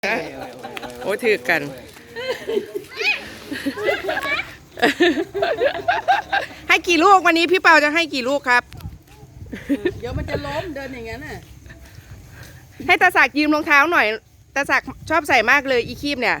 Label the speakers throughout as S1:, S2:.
S1: โอ้ถือกัน ให้กี่ลูกวันนี้พี่เปาจะให้กี่ลูกครับ
S2: เดี๋ยวมันจะล้มเดินอย่างนั้นน่ะ
S1: ให้ตาศักดิ์ยืมรองเท้าหน่อยตาศักดิ์ชอบใส่มากเลยอีคีบเนี่ย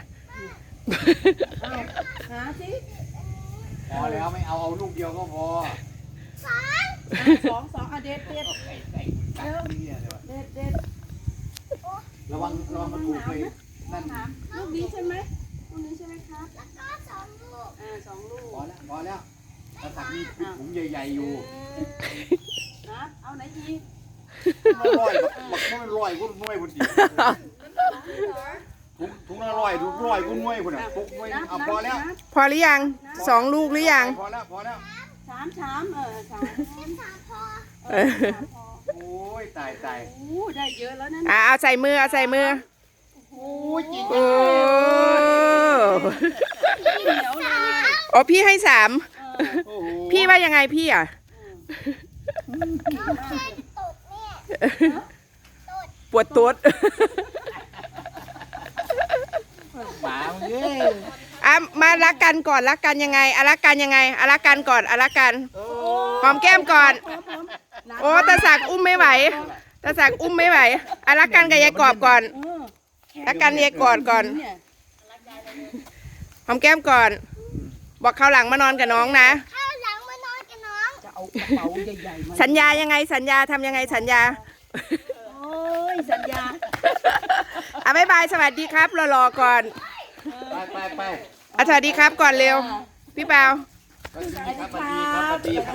S2: หาสิ
S3: พอแล้วไม่เอาลูกเดียวก็พอ
S2: สองอ่ะเด็ดเด็ดเด็ด
S3: ระวังมันถูกเลยนั่น
S2: ลูกนี้ใช่ไหมลูกนี้ใช่ไหมครับแล้วก็สองลูก
S3: พอแล้วกระสักมีถุงใหญ่ๆอยู่
S2: นะเอาไหนอีก
S3: ร้อยมันร้อยกุ้งน้อยพอดีถุงละร้อยถุงร้อยกุ้งน้อยพอดีถุงน้อยเอาพอแล้ว
S1: พอหรือยัง2 ลูกหรือยัง
S3: พอแล้ว
S2: สามสามพอ
S3: โอ้ยตาย
S2: โอ้ได้เยอะแล้วนั่น
S1: เอาใส่มือเอาใส่มือ
S2: โอ้ยจริง
S1: โอ้
S2: เหนียวเลย
S1: อ๋อพี่ให้3
S3: โอ้โห
S1: พี่ว่ายังไงพี่อ่ะปวดตุ๊ด
S3: หมาเอ้ย
S1: มารักกันก่อนรักกันยังไงรักกันยังไงรักกันก่อนรักกันหอมแก้มก่อน โอ้ตาศักดิ์อุ้มไม่ไหวตาศักดิ์อุ้มไม่ไหวรักกันกับยายกอบก่อนรักกันยายกอดก่อนหอมแก้มก่อน บอกเขาวหลังมานอนกับน้องนะ
S2: จะเอากระเป๋าใหญ่ๆมา
S1: สัญญายังไงสัญญาทำยังไงสัญญา
S2: โอ้ยสัญญา
S1: บ๊ายบายสวัสดีครับรอก่อน
S3: ไป
S1: สวัสดีครับก่อนเร็วพี่เปา
S3: สวัสดีครับ